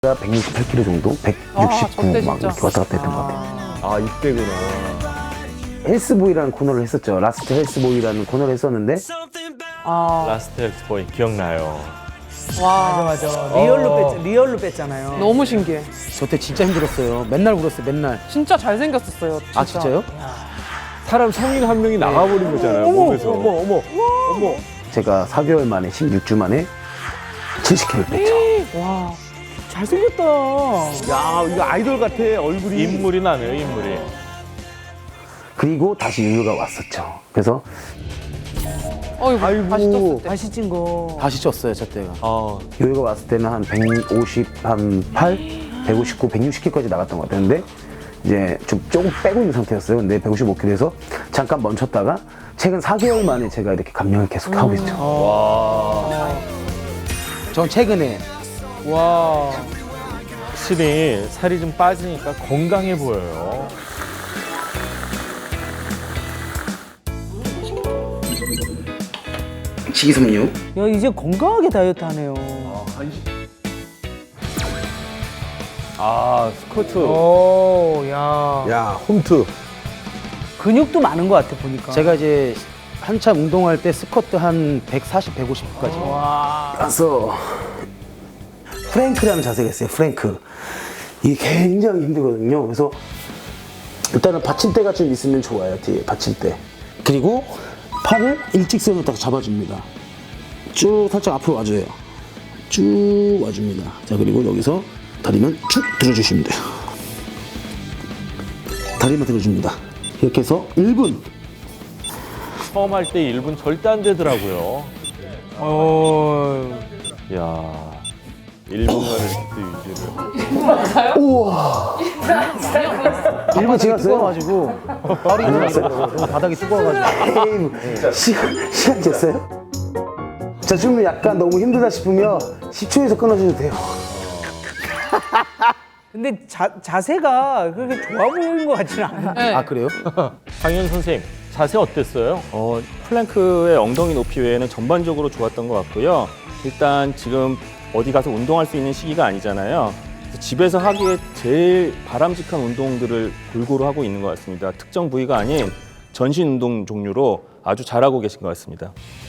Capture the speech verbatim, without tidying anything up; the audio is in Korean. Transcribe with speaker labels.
Speaker 1: 백육십팔 킬로그램 정도? 백육십구
Speaker 2: 아,
Speaker 1: 막 이렇게 왔다 갔다 했던 것 같아요.
Speaker 3: 아, 이때구나.
Speaker 1: 헬스보이라는 코너를 했었죠. 라스트 헬스보이라는 코너를 했었는데
Speaker 2: 아,
Speaker 3: 라스트 엑스보이 기억나요.
Speaker 2: 와,
Speaker 4: 맞아 맞아. 리얼로 뺐 리얼로 뺐잖아요.
Speaker 2: 너무 신기해.
Speaker 4: 저 때 진짜 힘들었어요. 맨날 울었어요. 맨날.
Speaker 2: 진짜 잘생겼었어요. 진짜.
Speaker 4: 아 진짜요?
Speaker 3: 사람 성인 한 명이 나가버린 거잖아요, 몸에서.
Speaker 4: 어머 어머 어머.
Speaker 1: 제가 사 개월 만에 십육 주 만에 칠십 킬로그램 뺐죠.
Speaker 2: 와,
Speaker 4: 잘생겼다.
Speaker 3: 야, 이거 아이돌 같아, 얼굴이. 인물이 나네요, 인물이.
Speaker 1: 그리고 다시 유유가 왔었죠. 그래서
Speaker 2: 어이구,
Speaker 4: 아이고.
Speaker 2: 다시 떴을 때.
Speaker 4: 다시 찐 거.
Speaker 1: 다시 쪘어요, 저 때가.
Speaker 3: 어,
Speaker 1: 유유가 왔을 때는 한 백오십팔, 백오십구, 백육십 킬로그램까지 나갔던 것 같아요. 근데 이제 좀 조금 빼고 있는 상태였어요. 근데 백오십오 킬로그램에서 잠깐 멈췄다가 최근 사 개월 만에 제가 이렇게 감량을 계속 하고 있죠.
Speaker 3: 와.
Speaker 4: 전 최근에
Speaker 2: 와.
Speaker 3: 확실히 살이 좀 빠지니까 건강해 보여요.
Speaker 1: 식이섬유.
Speaker 4: 야 이제 건강하게 다이어트 하네요.
Speaker 3: 아, 스쿼트.
Speaker 4: 오, 야.
Speaker 3: 야, 홈트.
Speaker 4: 근육도 많은 것 같아 보니까. 제가 이제 한참 운동할 때 스쿼트 한 백사십, 백오십까지.
Speaker 2: 와.
Speaker 1: 가서 프랭크라는 자세가 있어요. 프랭크. 이게 굉장히 힘들거든요. 그래서 일단은 받침대가 좀 있으면 좋아요. 뒤에 받침대. 그리고 팔을 일직선으로 딱 잡아줍니다. 쭉 살짝 앞으로 와줘요. 쭉 와줍니다. 자, 그리고 여기서 다리만 쭉 들어주시면 돼요. 다리만 들어줍니다. 이렇게 해서 일 분.
Speaker 3: 처음 할 때 일 분 절대 안 되더라고요.
Speaker 4: 어.
Speaker 3: 야, 일 분간을 그때 유지를.
Speaker 1: 일 분 지났어요?
Speaker 4: 뜨거워가지고 발이 들어갔어요. 바닥이 뜨거워가지고.
Speaker 1: 에이, 시간, 시간 됐어요? 자, 좀 약간 너무 힘들다 싶으면 십 초에서 끊어줘도 돼요.
Speaker 4: 근데 자, 자세가 그렇게 좋아 보이는 것 같지는 않아.
Speaker 2: 네.
Speaker 4: 아 그래요?
Speaker 3: 강현 선생님, 자세 어땠어요?
Speaker 5: 어, 플랭크의 엉덩이 높이 외에는 전반적으로 좋았던 것 같고요. 일단 지금 어디 가서 운동할 수 있는 시기가 아니잖아요. 그래서 집에서 하기에 제일 바람직한 운동들을 골고루 하고 있는 것 같습니다. 특정 부위가 아닌 전신 운동 종류로 아주 잘하고 계신 것 같습니다.